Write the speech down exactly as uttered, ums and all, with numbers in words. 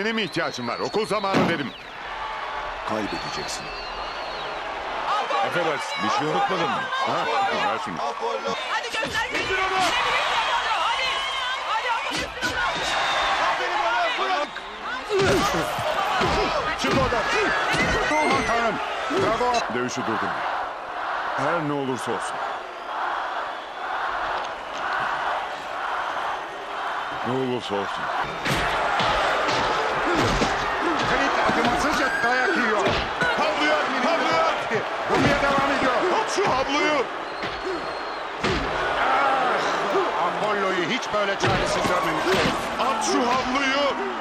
Benim ihtiyacım var. Okul zamanı dedim. Kaybedeceksin. Affedersin. Bir şey unutmadın mı? Ha? Ver şunu. Hadi göster gücünü. Hadi. Hadi ama Çık oradan. Aman tanrım. Bravo. Dövüşü durdum. Her ne olursa olsun. Ne olursa olsun. Kayıt acımasızca dayak yiyor. Havluyor, havluyor. Vurmaya devam ediyor. Tut şu havluyu. Ah, Apollo'yu hiç böyle çaresiz görmemiştim. At şu havluyu.